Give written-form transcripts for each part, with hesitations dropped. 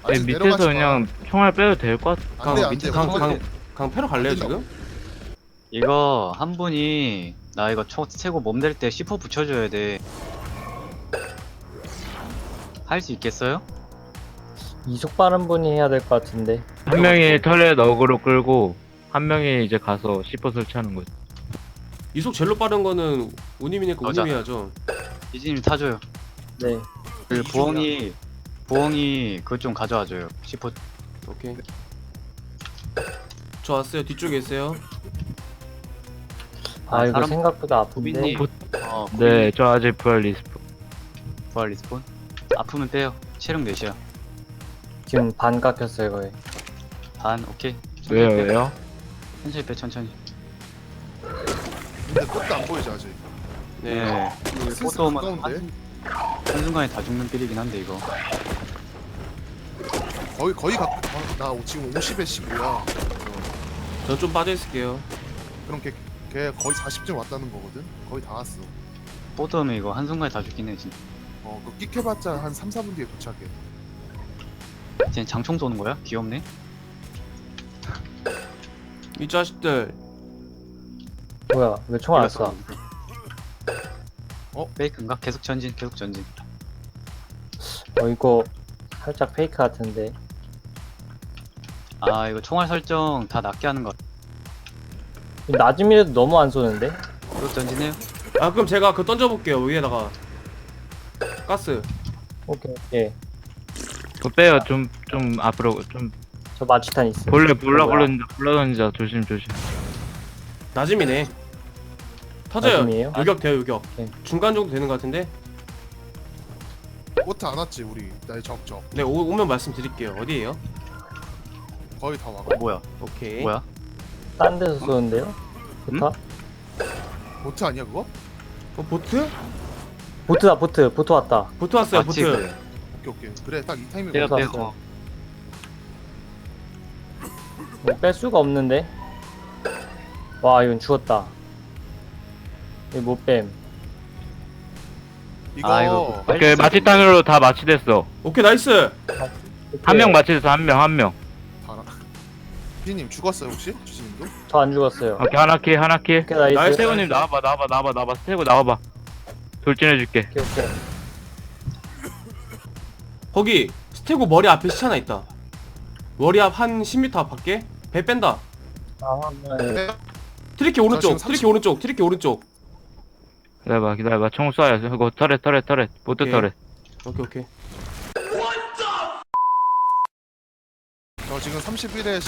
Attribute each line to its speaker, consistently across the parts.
Speaker 1: 아직
Speaker 2: 밑에서
Speaker 1: 내려가지 마.
Speaker 2: 그냥 총알 빼도 될 것 같아.
Speaker 1: 안돼 안돼.
Speaker 3: 밑에 강패로 갈래요 지금?
Speaker 4: 이거 한 분이 나 이거 초 세고 몸 될 때 C4 붙여줘야 돼. 할 수 있겠어요?
Speaker 5: 이속 빠른 분이 해야 될 것 같은데.
Speaker 2: 한 명이 터렛 어그로 끌고 한 명이 이제 가서 C4 설치하는 거지.
Speaker 3: 이속 제일로 빠른 거는 우님이니까
Speaker 4: 맞아.
Speaker 3: 우님이 해야죠.
Speaker 4: 이진님 타줘요.
Speaker 5: 네.
Speaker 4: 그 부엉이 그거 좀 가져와줘요. C4.
Speaker 3: 오케이. 저 왔어요. 뒤쪽에 있어요.
Speaker 5: 아 이거
Speaker 4: 사람-
Speaker 5: 생각보다 아픈데.
Speaker 4: 고빈님.
Speaker 2: 네, 저 아직 부활 리스프.
Speaker 4: 부활 리스폰. 아프면 빼요. 체력 몇이야?
Speaker 5: 지금 반 깎였어요 거의.
Speaker 4: 반. 오케이.
Speaker 2: 왜요,
Speaker 4: 천천히 빼.
Speaker 2: 왜요?
Speaker 4: 천천히 빼. 천천히.
Speaker 1: 근데 꽃도 안 보이지 아직.
Speaker 3: 네.
Speaker 1: 슬슬
Speaker 4: 꽃도 오면
Speaker 1: 가까운데.
Speaker 4: 한순간에 다 죽는 필이긴 한데 이거.
Speaker 1: 거의 나 지금 50에 15야.
Speaker 3: 전 좀 빠져 있을게요.
Speaker 1: 그럼 걔 거의 40쯤 왔다는 거거든. 거의 다 왔어.
Speaker 4: 꽃 오면 이거 한순간에 다 죽긴 해 진짜.
Speaker 1: 그 끽해봤자 한 3, 4분 뒤에 도착해.
Speaker 4: 쟤 장총 쏘는 거야? 귀엽네.
Speaker 3: 이 자식들.
Speaker 5: 뭐야 왜 총알 안
Speaker 4: 이거
Speaker 5: 쏴?
Speaker 4: 페이크인가? 계속 전진. 계속 전진.
Speaker 5: 이거 살짝 페이크 같은데.
Speaker 4: 아 이거 총알 설정 다 낮게 하는 거.
Speaker 5: 낮음이라도 너무 안 쏘는데?
Speaker 4: 계속 전진해요.
Speaker 3: 아 그럼 제가 그 던져볼게요. 위에다가 가스.
Speaker 5: 오케이 오케이.
Speaker 2: 그거 빼요. 좀 앞으로 좀.
Speaker 5: 저 마취탄 있어.
Speaker 2: 몰래
Speaker 5: 뭐야?
Speaker 2: 던져. 조심.
Speaker 3: 낮음이네. 터져요.
Speaker 5: 낮음이에요?
Speaker 3: 요격 돼요 요격.
Speaker 5: 네.
Speaker 3: 중간 정도 되는 것 같은데.
Speaker 1: 꽃 안 왔지 우리. 나의 적적.
Speaker 3: 네 오면 말씀드릴게요. 어디에요?
Speaker 1: 거의 다 와가.
Speaker 4: 뭐야?
Speaker 3: 오케이.
Speaker 4: 뭐야?
Speaker 5: 딴 데서 쏘는데요? 보트?
Speaker 1: 보트 아니야 그거?
Speaker 3: 보트?
Speaker 5: 보트다 보트. 보트 왔다.
Speaker 3: 보트 왔어요.
Speaker 4: 맞지,
Speaker 3: 보트.
Speaker 4: 그래.
Speaker 1: 오케이. 그래 딱 이 타이밍.
Speaker 4: 빼요
Speaker 5: 보트
Speaker 4: 빼요.
Speaker 5: 왔어요. 뺄 수가 없는데? 와 이건 죽었다. 이거 못 뺨.
Speaker 1: 이거
Speaker 4: 아, 이거 빨리
Speaker 2: 오케이,
Speaker 4: 써야
Speaker 2: 마취탄으로 다 마취됐어.
Speaker 3: 오케이 나이스.
Speaker 2: 한 명 마취됐어, 한 명.
Speaker 1: 봐라. 피디님 죽었어요 혹시? 주진님도?
Speaker 5: 저 안 죽었어요.
Speaker 2: 오케이, 하나 킬.
Speaker 5: 오케이 나이스.
Speaker 3: 나이스.
Speaker 2: 스테고님 나와봐. 스테고 나와봐. 돌진해줄게.
Speaker 5: 오케이 오케이.
Speaker 3: 거기 스테고 머리 앞에 시체 하나 있다. 머리 앞 한 10m 앞 밖에. 배 뺀다.
Speaker 5: 아, 네.
Speaker 1: 네.
Speaker 3: 트리키 오른쪽.
Speaker 1: 지금 30
Speaker 3: 트리키 오른쪽.
Speaker 2: 기다려봐. 총 쏴요. 이거 터렛. 보트
Speaker 3: 오케이.
Speaker 2: 터렛.
Speaker 3: 오케이.
Speaker 1: 저 지금 31에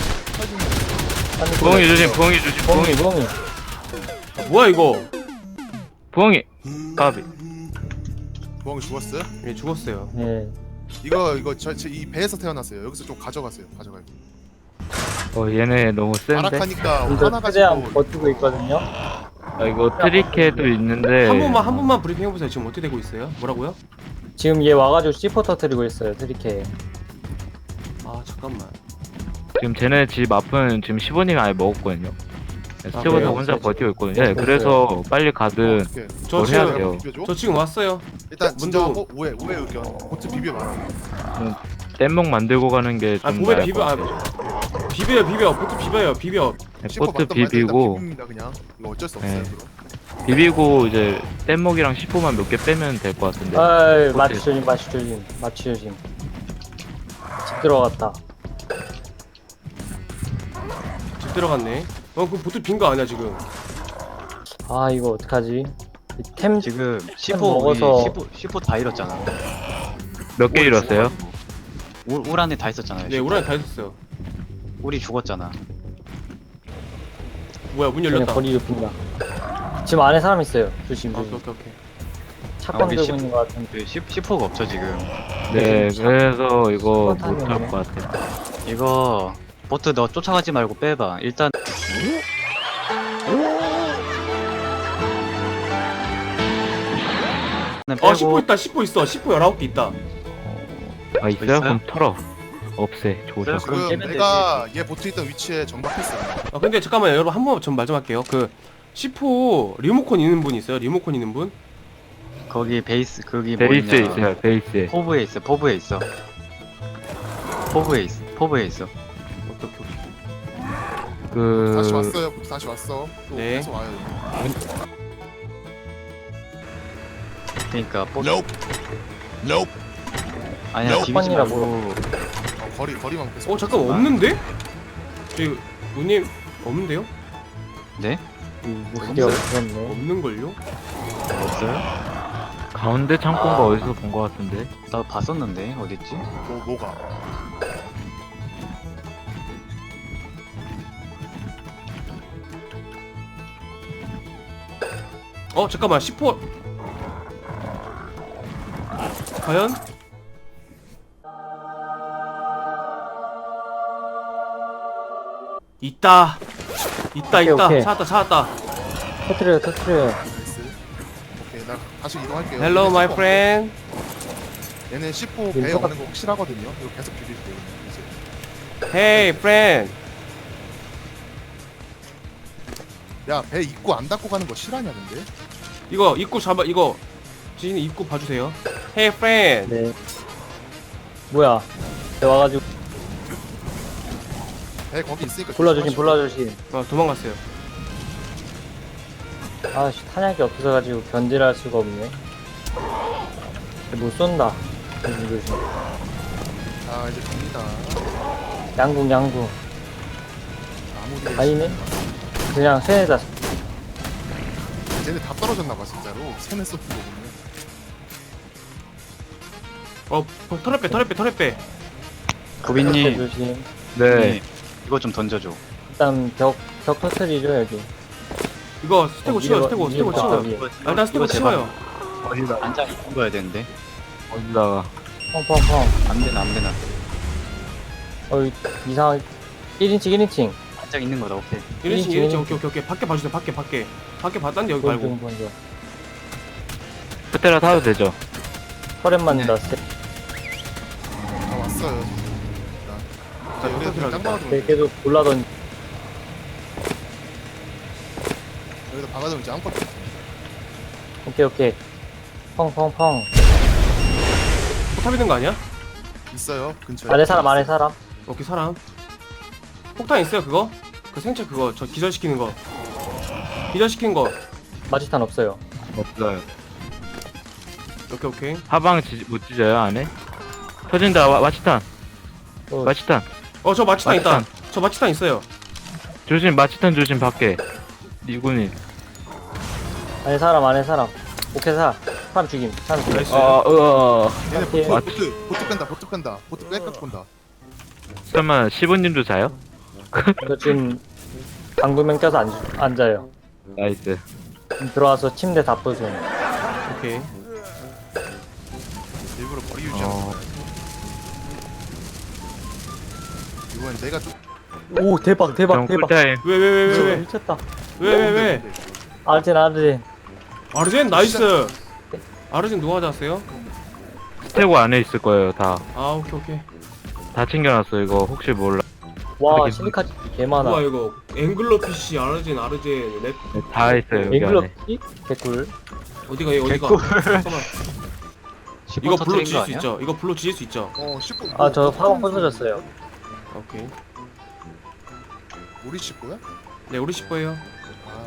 Speaker 1: 18분.
Speaker 2: 부엉이 조심.
Speaker 5: 멍이.
Speaker 3: 뭐야 이거?
Speaker 2: 부엉이. 까비.
Speaker 1: 부엉이 죽었어요?
Speaker 3: 예 죽었어요.
Speaker 5: 네.
Speaker 1: 이거 이 배에서 태어났어요. 여기서 좀 가져가세요. 가져가요.
Speaker 2: 얘네 너무 센데.
Speaker 1: 아락하니까
Speaker 5: 이거
Speaker 1: 하나
Speaker 5: 최대한
Speaker 1: 가지고
Speaker 5: 버티고 있거든요.
Speaker 2: 이거 트리케도 있는데.
Speaker 3: 한 번만 브리핑 해보세요. 지금 어떻게 되고 있어요? 뭐라고요?
Speaker 5: 지금 얘 와가지고 C4 터뜨리고 있어요. 트리케.
Speaker 3: 아 잠깐만.
Speaker 2: 지금 쟤네 집 앞은 지금 15님 아예 먹었거든요. 스테고도
Speaker 3: 그래요?
Speaker 2: 혼자
Speaker 5: 그래서
Speaker 2: 버티고 있거든요. 네, 그래서 빨리 가든
Speaker 1: 오케이.
Speaker 3: 저
Speaker 2: 뭘 해야
Speaker 3: 지금
Speaker 2: 돼요?
Speaker 1: 비벼줘?
Speaker 3: 저 지금 왔어요.
Speaker 1: 일단
Speaker 3: 먼저-
Speaker 1: 진정하고 오해 의견. 보트 비벼 말아.
Speaker 2: 뗏목 만들고 가는 게
Speaker 3: 아
Speaker 2: 좀
Speaker 3: 보배
Speaker 2: 나을
Speaker 3: 비벼.
Speaker 2: 것
Speaker 3: 아
Speaker 2: 같아요.
Speaker 3: 비벼요. 보트 비벼요.
Speaker 1: 씹고
Speaker 2: 보트
Speaker 1: 봤던 말들 일단
Speaker 2: 비비고
Speaker 1: 비빕니다 그냥. 이거 어쩔 수 없어요.
Speaker 2: 네.
Speaker 1: 그럼.
Speaker 2: 비비고 이제 뗏목이랑 10호만 몇 개 빼면 될 것 같은데.
Speaker 5: 아이
Speaker 2: 보트.
Speaker 5: 마취 조심. 집 들어갔다.
Speaker 3: 집 들어갔네. 그 보트 빈 거 아니야 지금?
Speaker 5: 아 이거 어떡하지? 템
Speaker 4: 지금 C4
Speaker 5: 먹어서-
Speaker 4: 우리 C4 다 잃었잖아.
Speaker 2: 몇 개 잃었어요?
Speaker 4: 울 안에 다 있었잖아요.
Speaker 3: 네 우란이 다 있었어요.
Speaker 4: 우리 죽었잖아.
Speaker 3: 뭐야 문
Speaker 5: 쟤네
Speaker 3: 열렸다.
Speaker 5: 거리를 빈다. 지금 안에 사람 있어요. 조심.
Speaker 3: 오케이.
Speaker 5: 착각
Speaker 4: 우리
Speaker 5: 들고
Speaker 4: 십-
Speaker 5: 있는 것 같은데.
Speaker 4: 그 C4가 없죠 지금.
Speaker 2: 네, 그래서 이거
Speaker 5: 슈퍼
Speaker 2: 못 할
Speaker 5: 타임이네.
Speaker 2: 것 같아.
Speaker 4: 이거 보트 너 쫓아가지 말고 빼봐. 일단 빼고
Speaker 3: 10호 있다. 10호 있어. 10호 19개 있다.
Speaker 2: 아, 있어요?
Speaker 4: 있어요?
Speaker 2: 그럼 털어. 없애. 조져.
Speaker 4: 있어요? 그럼
Speaker 1: 지금
Speaker 4: 깨면
Speaker 1: 내가 얘 보트 있던 위치에 정박했어.
Speaker 3: 아 근데 잠깐만요. 여러분 한 번만 전 말 좀 할게요. 그 10호 리모컨 있는 분 있어요? 리모컨 있는 분?
Speaker 4: 거기 베이스 거기
Speaker 2: 베이스에
Speaker 4: 뭐냐
Speaker 2: 있어요, 베이스에.
Speaker 4: 포브에 있어. 포브에 있어. 포브에 있어. 포브에 있어.
Speaker 3: 오케이 오케이.
Speaker 1: 다시
Speaker 2: 그
Speaker 1: 왔어요. 다시 왔어. 또
Speaker 3: 네.
Speaker 1: 계속 와요.
Speaker 4: 그러니까 포.
Speaker 1: Nope.
Speaker 4: 아니야 디비지
Speaker 5: 첫번이라
Speaker 4: 말고.
Speaker 5: 뭐
Speaker 1: 거리만 계속.
Speaker 3: 잠깐 없는데? 저기 우님 없는데요?
Speaker 4: 네?
Speaker 5: 무슨 없었네.
Speaker 3: 없는걸요?
Speaker 4: 없어요?
Speaker 2: 가운데 창고인가 어디서 본 것 같은데.
Speaker 4: 나 봤었는데 어딨지?
Speaker 1: 뭐가?
Speaker 3: 잠깐만 10호 과연? 있다
Speaker 5: 오케이, 오케이.
Speaker 3: 찾았다.
Speaker 5: 터트려요.
Speaker 1: 나이스. 오케이, 나 다시 이동할게요.
Speaker 3: Hello
Speaker 1: 얘네
Speaker 3: my
Speaker 1: C4
Speaker 3: friend.
Speaker 1: 얘네 C4 배에
Speaker 5: 민서가-
Speaker 1: 오는 거 확실하거든요. 이거 계속 비빌게요. 이제.
Speaker 3: Hey friend.
Speaker 1: 야, 배 입구 안 닫고 가는 거 실화냐 근데?
Speaker 3: 이거 입구 잡아 이거 지인이 입구 봐주세요. Hey friend.
Speaker 5: 네. 뭐야? 내 와가지고
Speaker 1: 배 거기 있으니까
Speaker 5: 불러주신.
Speaker 3: 도망갔어요.
Speaker 5: 아씨 탄약이 없어가지고 견제를 할 수가 없네. 못 쏜다. 조심.
Speaker 1: 자, 이제 갑니다.
Speaker 5: 양궁.
Speaker 1: 아무리
Speaker 5: 아니네. 그냥 쇠에다.
Speaker 1: 쟤네 다 떨어졌나봐 진짜로. 세네 쏘는 거 보면.
Speaker 3: 털에 빼.
Speaker 4: 구빈님.
Speaker 5: 조심.
Speaker 2: 네.
Speaker 4: 이거 좀 던져줘.
Speaker 5: 일단 벽 터트리죠 여기.
Speaker 3: 이거 스테고 치워요. 스테고 치워요.
Speaker 5: 위에.
Speaker 3: 일단 스테고
Speaker 4: 이거 제발.
Speaker 3: 치워요.
Speaker 2: 어디다
Speaker 4: 안장 있는 거야 되는데.
Speaker 2: 어디다가.
Speaker 5: 펑펑펑.
Speaker 4: 안 되나.
Speaker 5: 이상. 1인칭.
Speaker 4: 안장 있는 거다. 오케이.
Speaker 3: 1인칭 오케이. 밖에 봐주세요. 밖에 봤다는데 여기 말고.
Speaker 5: 먼저.
Speaker 2: 스테라 타도 되죠?
Speaker 5: 터렛 맞는다.
Speaker 1: 다 왔어요. 자, 여기서 그냥 짱 박아두면 돼.
Speaker 5: 계속 올라던.
Speaker 1: 여기다 박아두면 이제 아무것도
Speaker 5: 오케이. 펑펑펑.
Speaker 3: 포탑 있는 거 아니야?
Speaker 1: 있어요. 근처에.
Speaker 5: 안에 사람.
Speaker 3: 오케이 사람. 폭탄 있어요 그거? 그 생체 그거 저 기절시키는 거. 기절시킨 거.
Speaker 5: 마취탄 없어요.
Speaker 2: 없어요.
Speaker 3: 오케이.
Speaker 2: 하방 못 찢어요 안에? 터진다. 마치탄.
Speaker 5: 어,
Speaker 2: 마치탄.
Speaker 3: 저 마취탄 있다.
Speaker 2: 마취탄.
Speaker 3: 저 마취탄 있어요.
Speaker 2: 조심. 마치탄 조심 밖에. 이군이.
Speaker 5: 안에 사람. 오케이 사람 죽임.
Speaker 3: 나이스.
Speaker 1: 얘네
Speaker 5: 오케이.
Speaker 1: 보트 뺀다. 보트 빽빽 본다.
Speaker 2: 설마 15님도 자요?
Speaker 5: 저 지금 방구명 껴서 앉아요.
Speaker 2: 나이스.
Speaker 5: 들어와서 침대 다 부순.
Speaker 3: 오케이.
Speaker 1: 일부러 거리 유지하고.
Speaker 2: 어,
Speaker 1: 이번엔 내가 좀.
Speaker 5: 오 대박.
Speaker 2: 형 꿀타임.
Speaker 3: 왜?
Speaker 5: 미쳤다.
Speaker 3: 왜?
Speaker 5: 아르젠.
Speaker 3: 아르젠 나이스. 아르젠 누가 가져왔어요?
Speaker 2: 스테고 안에 있을 거예요 다.
Speaker 3: 아 오케이.
Speaker 2: 다 챙겨놨어 이거 혹시 몰라.
Speaker 5: 와
Speaker 2: 하긴.
Speaker 5: 실리카지 개 많아.
Speaker 3: 뭐야 이거? 앵글러피쉬, 아르젠, 랩
Speaker 2: 네, 다 있어요 여기
Speaker 5: 앵글러
Speaker 2: 안에.
Speaker 5: 피? 개꿀.
Speaker 3: 어디가? 잠깐만. 이거 불로 지질 수 있죠? 이거 불로 지질 수 있죠?
Speaker 1: 19.
Speaker 5: 아저 화방 부서졌어요.
Speaker 3: 오케이.
Speaker 1: 우리 19야?
Speaker 3: 네 우리 10호예요.
Speaker 1: 아,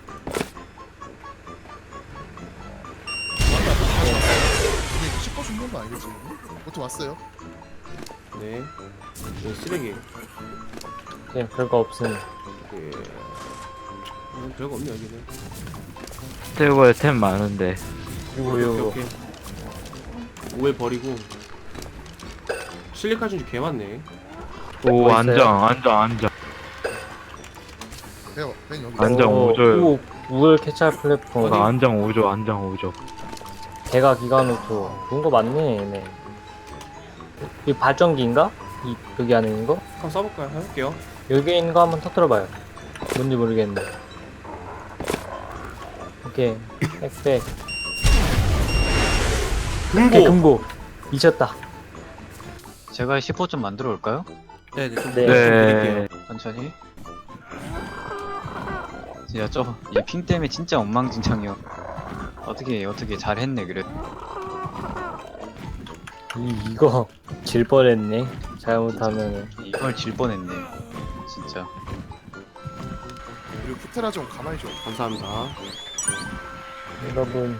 Speaker 1: 우리 19 준비한 거 아니겠지? 보트 왔어요.
Speaker 3: 네. 쓰레기.
Speaker 5: 네 별거 없음.
Speaker 3: 예. 별거 없네 여기는.
Speaker 2: 스테고에 템 많은데.
Speaker 3: 오케이. 오해 버리고. 실리카 준주 개 많네.
Speaker 2: 오
Speaker 5: 뭐 있어요?
Speaker 2: 안정.
Speaker 1: 벤 여기.
Speaker 2: 안정
Speaker 5: 오,
Speaker 2: 오조요.
Speaker 5: 오, 우월 캐찰 플랫폼.
Speaker 2: 안정 오조.
Speaker 5: 대가 기관호초. 좋은 거 많네 얘네. 이 발전기인가? 여기 안에 있는 거?
Speaker 3: 한번 써볼까요? 해볼게요.
Speaker 5: 여기 있는 거 한번 터뜨려봐요. 뭔지 모르겠네. 오케이. 빽빽. 오케이, 금고. 미쳤다.
Speaker 4: 제가 10호 좀 만들어 올까요?
Speaker 3: 네, 좀
Speaker 5: 네.
Speaker 3: 드릴게요.
Speaker 4: 천천히. 진짜 이 핑 때문에 진짜 엉망진창이요. 어떻게 잘했네 그래도.
Speaker 5: 이거 질 뻔했네. 잘못하면은.
Speaker 4: 이걸 질 뻔했네. 진짜.
Speaker 1: 그리고 푸테라 좀 가만히 좀.
Speaker 3: 감사합니다.
Speaker 5: 여러분,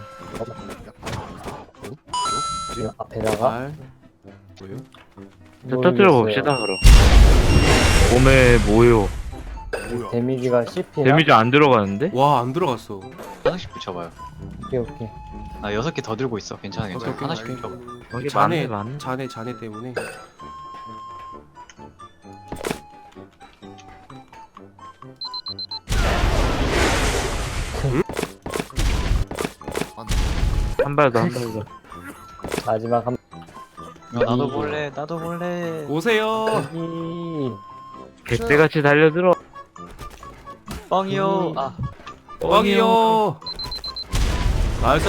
Speaker 5: 지금 앞에다가
Speaker 3: 발. 뭐예요?
Speaker 2: 자, 터뜨려 봅시다 그럼. 몸에 뭐요?
Speaker 1: 뭐야?
Speaker 5: 데미지가 CP나?
Speaker 2: 데미지 안 들어가는데?
Speaker 3: 와, 안 들어갔어.
Speaker 4: 하나씩 붙여봐요.
Speaker 5: 오케이, 오케이.
Speaker 4: 나 6개 더 들고 있어. 괜찮아, 괜찮아.
Speaker 3: 오케이,
Speaker 4: 하나씩
Speaker 3: 오케이.
Speaker 4: 붙여봐.
Speaker 2: 여기
Speaker 3: 자네,
Speaker 2: 많네.
Speaker 3: 자네 때문에.
Speaker 2: 한 발 더, 한 발 더.
Speaker 5: 마지막 한
Speaker 4: 나도 볼래, 나도 볼래.
Speaker 3: 오세요.
Speaker 5: 이
Speaker 2: 개떼같이 달려들어.
Speaker 4: 뻥이요. 아,
Speaker 3: 뻥이요. 나이스.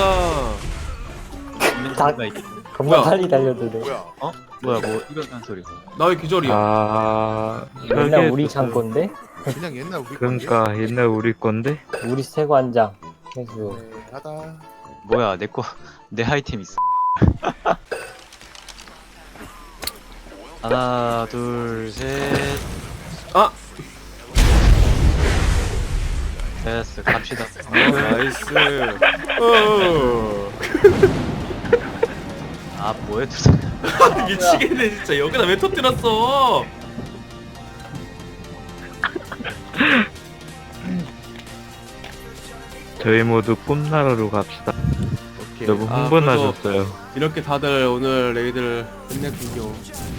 Speaker 5: 다-
Speaker 4: 가 있겠네.
Speaker 5: 겁나
Speaker 3: 뭐야?
Speaker 5: 빨리 달려드네.
Speaker 1: 뭐야?
Speaker 4: 뭐야, 뭐 이런 소리.
Speaker 3: 나 왜 기절이야?
Speaker 2: 아,
Speaker 5: 옛날
Speaker 2: 설계
Speaker 5: 우리
Speaker 2: 좀-
Speaker 5: 창고인데?
Speaker 1: 그냥 옛날 우리
Speaker 2: 그러니까 옛날 우리 건데.
Speaker 5: 우리 세관장. 해수.
Speaker 1: 건데. 하다.
Speaker 4: 뭐야, 내 거, 내 아이템 있어. 하나, 둘, 셋.
Speaker 3: 아,
Speaker 4: 됐어, 갑시다.
Speaker 3: 나이스. 어.
Speaker 4: 아, 뭐해, 두 사람.
Speaker 3: 미치겠네 진짜. 여기다 왜 터뜨렸어?
Speaker 2: 저희 모두 꿈나라로 갑시다.
Speaker 3: 오케이.
Speaker 2: 너무
Speaker 3: 아,
Speaker 2: 흥분하셨어요.
Speaker 3: 이렇게 다들 오늘 레이드를 끝냈군요.